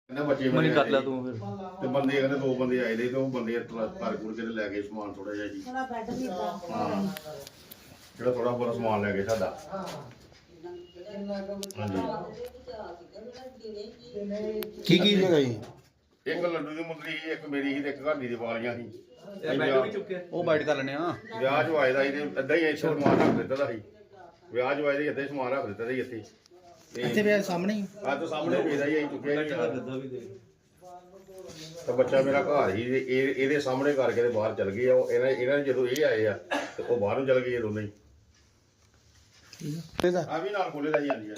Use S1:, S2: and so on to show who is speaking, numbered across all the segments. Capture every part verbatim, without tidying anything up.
S1: बच्चे मनी कर लिया तू फिर ते बंदे कहने दो बंदे आए थे तो वो बंदे घर घुर के ले गए समान थोड़ा जिहा जी हाँ जेह्ड़ा थोड़ा बहुत समान ले गए साडा
S2: की की जगह जी
S1: एक लड्डू दी मुंदरी एक मेरी ही ते एक घर दी दिवालियां ही
S2: ਉਹ ਬਾਈਟ ਕਰ ਲੈਣੇ ਆ
S1: ਵਿਆਹ ਜੋ ਆਏ ਦਾ ਇਹਦੇ ਅੱਧਾ ਹੀ ਇੱਥੇ ਸਮਾਨ ਰੱਖ ਦਿੱਤਾ ਦਾ ਸੀ ਵਿਆਹ ਜੋ ਆਏ ਦੇ ਇੱਥੇ ਸਮਾਨ ਰੱਖ ਦਿੱਤਾ ਸੀ ਇੱਥੇ
S2: ਇੱਥੇ ਵੀ ਸਾਹਮਣੇ ਹੀ
S1: ਆ ਤਾਂ ਸਾਹਮਣੇ ਵੇਦਾ ਹੀ ਅਸੀਂ ਚੁੱਕਿਆ ਹੀ ਤਾਂ ਬੱਚਾ ਮੇਰਾ ਘਰ ਹੀ ਇਹ ਇਹਦੇ ਸਾਹਮਣੇ ਕਰਕੇ ਤੇ ਬਾਹਰ ਚਲ ਗਏ ਆ ਉਹ ਇਹਨਾਂ ਇਹਨਾਂ ਨੇ ਜਦੋਂ ਇਹ ਆਏ ਆ ਤੇ ਉਹ ਬਾਹਰ ਨੂੰ ਚਲ ਗਏ ਦੋਨੇ ਹੀ ਆ ਵੀ ਨਾਲ ਖੋਲੇ ਦਾ ਹੀ ਆਂਦੀ ਆ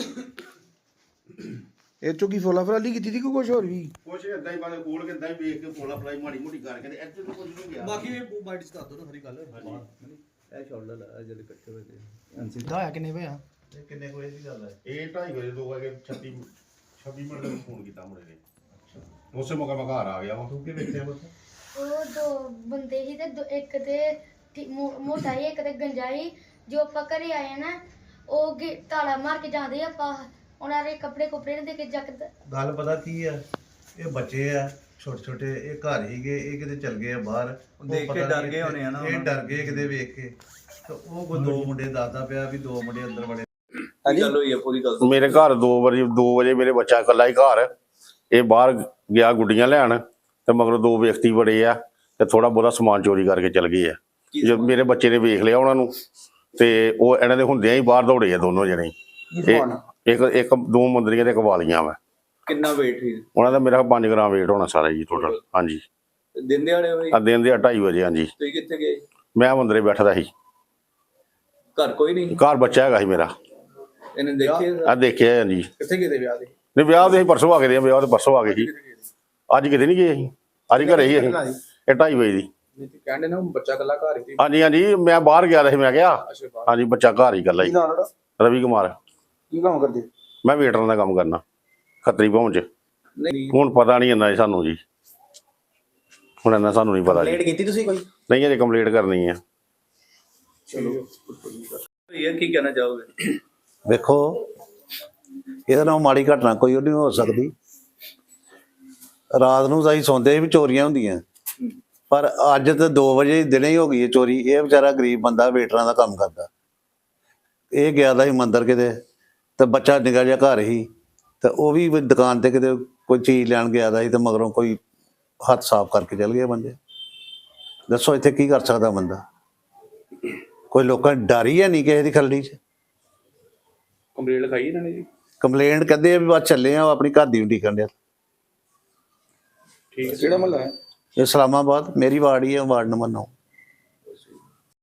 S2: ਇਹ ਚੋਂ ਕੀ ਫੋਲਾ ਫਰਾਲੀ ਕੀਤੀ ਸੀ ਕੋਈ ਕੁਝ ਹੋਰ ਵੀ
S1: ਕੁਛ ਇਦਾਂ ਹੀ ਬਾਰੇ ਕੋਲ ਕੇ ਇਦਾਂ ਹੀ ਵੇਖ ਕੇ ਫੋਲਾ ਫਲਾਈ ਮਾੜੀ ਮੋਟੀ ਕਰਕੇ ਤੇ ਇੱਥੇ ਨੂੰ ਕੁਝ ਨਹੀਂ ਗਿਆ
S3: ਬਾਕੀ ਇਹ ਬਾਈਟ ਚ ਦੱਸ ਦੋ ਨਾ ਸਾਰੀ ਗੱਲ ਇਹ ਸ਼ੋਲਡਰ ਆ ਜਿਹੜੇ ਇਕੱਠੇ ਹੋਏ ਨੇ
S2: ਹੋਇਆ ਕਿੰਨੇ ਹੋਇਆ
S3: ਇਹ ਕਿੰਨੇ ਕੋਈ ਦੀ ਗੱਲ ਹੈ
S1: ਇਹ ਢਾਈ ਵਜੇ ਦੋ ਵਜੇ ਛੱਤੀ ਛੱਬੀ ਮਿੰਟ ਦਾ ਫੋਨ ਕੀਤਾ ਮੁੰਡੇ ਨੇ ਉਸੇ ਮੌਕੇ ਮੈਂ ਘਰ ਆ ਗਿਆ ਵਾ
S3: ਤੂੰ ਕੀ ਵੇਖਿਆ ਬਸ
S4: ਉਹ ਦੋ ਬੰਦੇ ਸੀ ਤੇ ਦੋ- ਇੱਕ ਤੇ ਠੀ- ਮੋ- ਮੋਟਾ ਹੀ ਇੱਕ ਤੇ ਗੰਜਾਈ ਜੋ ਆਪਾਂ ਘਰੇ ਆਏ ਨਾ ਉਹ ਗੇ- ਤਾਲਾ ਮਾਰ ਕੇ ਜਾਂਦੇ ਆਪਾਂ ਉਹਨਾਂ ਦੇ ਕੱਪੜੇ ਕੁਪੜੇ ਨੇ ਦੇ ਕੇ ਜੱਕਦ
S3: ਗੱਲ ਪਤਾ ਕੀ ਆ ਇਹ ਬੱਚੇ ਆ ਛੋਟੇ ਛੋਟੇ ਇਹ ਘਰ ਹੀ ਗਏ ਇਹ ਕਿਤੇ ਚਲ ਗਏ ਆ ਬਾਹਰ ਉਹ
S5: ਦੇਖ ਕੇ
S3: ਪਤਾ
S5: ਡਰ
S3: ਨੀ
S5: ਗਏ ਹੋਣੇ ਆ ਨਾ
S3: ਇਹ ਡਰ ਗਏ ਕਿਤੇ ਵੇਖ ਕੇ ਤੇ ਉਹ ਕੋਈ ਦੋ ਮੁੰਡੇ ਦੱਸਦਾ ਪਿਆ ਵੀ ਦੋ ਮੁੰਡੇ ਅੰਦਰ ਵੜੇ
S5: ਕੀ ਗੱਲ ਹੋਈ ਹੈ ਪੂਰੀ ਗੱਲ
S1: ਮੇਰੇ ਘਰ ਦੋ ਵਜੇ ਦੋ ਵਜੇ ਮੇਰੇ ਬੱਚਾ ਇਕੱਲਾ ਹੀ ਘਰ ਇਹ ਬਾਹਰ ਗਿਆ ਗੁੱਡੀਆਂ ਲੈਣ ਤੇ ਮਗਰੋਂ ਦੋ ਵਿਅਕਤੀ ਬੜੇ ਆ ਤੇ ਥੋੜਾ ਬਹੁਤਾ ਸਮਾਨ ਚੋਰੀ ਕਰਕੇ ਚਲ ਗਏ ਆ ਜਦ ਮੇਰੇ ਬੱਚੇ ਨੇ ਵੇਖ ਲਿਆ ਉਹਨਾਂ ਨੂੰ ਤੇ ਉਹ ਇਹਨਾਂ ਦੇ ਹੁੰਦਿਆਂ ਹੀ ਬਾਹਰ ਦੌੜੇ ਆ ਦੋਨੋਂ ਜਣੇ ਇੱਕ ਇੱਕ ਦੋ ਮੁੰਦਰੀਆਂ ਤੇ ਇੱਕ ਵਾਲੀਆਂ ਵਾ
S5: ਕਿੰਨਾ weight ਸੀ
S1: ਉਹਨਾਂ ਦਾ ਮੇਰਾ ਪੰਜ ਗ੍ਰਾਮ weight ਹੋਣਾ ਸਾਰਾ ਜੀ ਟੋਟਲ ਹਾਂਜੀ
S5: ਦਿਨ ਦਿਹਾੜੇ ਹੋਈ
S1: ਆ ਦਿਨ ਦੇ ਢਾਈ ਵਜੇ ਹਾਂਜੀ
S5: ਤੁਸੀਂ ਕਿੱਥੇ ਗਏ
S1: ਮੈਂ ਮੰਦਰੇ ਬੈਠਦਾ ਸੀ
S5: ਘਰ ਕੋਈ ਨਹੀਂ
S1: ਘਰ ਬੱਚਾ ਹੈਗਾ ਸੀ ਮੇਰਾ
S5: ਇਹਨੇ ਦੇਖੇ
S1: ਆ ਦੇਖਿਆ ਹਾਂਜੀ
S3: ਕਿੱਥੇ ਗਏ ਵਿਆਹ ਦੇ
S1: ਨਹੀਂ ਵਿਆਹ ਤੇ ਅਸੀਂ ਪਰਸੋਂ ਆ ਗਏ ਦੇ ਵਿਆਹ ਤੇ ਪਰਸੋਂ ਆ ਗਏ ਸੀ ਅੱਜ ਕਿਤੇ ਨਹੀਂ ਗਏ ਅਸੀਂ ਅੱਜ ਘਰੇ ਹੀ ਅਸੀਂ ਇਹ ਢਾਈ ਵਜੇ ਦੀ
S3: ਨਹੀਂ ਤੇ ਕਹਿੰਦੇ ਨਾ ਬੱਚਾ ਇਕੱਲਾ ਘਰ ਹੀ
S1: ਹਾਂਜੀ ਹਾਂਜੀ ਮੈਂ ਬਾਹਰ ਗਿਆ ਸੀ ਮੈਂ ਕਿਹਾ ਹਾਂਜੀ ਬੱਚਾ ਘਰ ਹੀ ਇਕੱਲਾ ਹੀ ਰਵੀ ਕੁਮਾਰ
S2: ਕੀ ਕੰਮ ਕਰਦੇ
S1: ਮੈਂ ਵੇਟਰਾਂ ਦਾ ਕੰਮ ਕਰਨਾ ਖੱਤਰੀ ਭਵਨ ਚ
S5: ਨਹੀਂ
S1: ਹੁਣ ਪਤਾ ਨਹੀਂ ਇੰਨਾ ਜੀ ਸਾਨੂੰ ਜੀ ਹੁਣ ਇੰਨਾ ਸਾਨੂੰ ਨਹੀਂ ਪਤਾ ਜੀ
S2: ਕੀਤੀ ਤੁਸੀਂ ਕੋਈ
S1: ਨਹੀਂ ਅਜੇ ਕੰਪਲੀਟ ਕਰਨੀ ਆ
S5: ਇਹ ਕੀ ਕਹਿਣਾ ਚਾਹੋਗੇ
S6: ਵੇਖੋ ਇਹਦੇ ਨਾਲ ਮਾੜੀ ਘਟਨਾ ਕੋਈ ਨਹੀਂ ਹੋ ਸਕਦੀ ਰਾਤ ਨੂੰ ਅਸੀਂ ਸੌਂਦੇ ਵੀ ਚੋਰੀਆਂ ਹੁੰਦੀਆਂ ਪਰ ਅੱਜ ਤੇ ਦੋ ਵਜੇ ਦਿਨੇ ਹੀ ਹੋ ਗਈ ਹੈ ਚੋਰੀ ਇਹ ਵਿਚਾਰਾ ਗਰੀਬ ਬੰਦਾ ਵੇਟਰਾਂ ਦਾ ਕੰਮ ਕਰਦਾ ਇਹ ਗਿਆ ਦਾ ਸੀ ਮੰਦਰ ਕਿਤੇ ਤੇ ਬੱਚਾ ਨਿੱਕਾ ਜਿਹਾ ਘਰ ਹੀ ਤੇ ਉਹ ਵੀ ਦੁਕਾਨ ਤੇ ਕਿਤੇ ਕੋਈ ਚੀਜ਼ ਲੈਣ ਗਿਆ ਦਾ ਸੀ ਤੇ ਮਗਰੋਂ ਕੋਈ ਹੱਥ ਸਾਫ਼ ਕਰਕੇ ਚਲ ਗਏ ਬੰਦੇ ਦੱਸੋ ਇੱਥੇ ਕੀ ਕਰ ਸਕਦਾ ਬੰਦਾ ਕੋਈ ਲੋਕਾਂ ਡਰ ਹੀ ਹੈ ਨਹੀਂ ਕਿਸੇ ਦੀ ਖੱਲੀ 'ਚ
S3: ਕੰਪਲੀਟ ਲਿਖਾਈ ਇਹਨਾਂ ਨੇ ਜੀ
S6: ਕੰਪਲੇਂਟ ਕਹਿੰਦੇ ਆ ਵੀ ਬਸ ਚੱਲੇ ਆ ਆਪਣੀ ਘਰ ਦੀ ਉਡੀਕਣ ਡਿਆ
S3: ਠੀਕ ਕਿਹੜਾ ਮਹੱਲਾ ਹੈ
S6: ਇਹ ਇਸਲਾਮਾਬਾਦ ਮੇਰੀ ਵਾਰਡ ਹੀ ਹੈ ਵਾਰਡ ਨੰਬਰ ਨੌ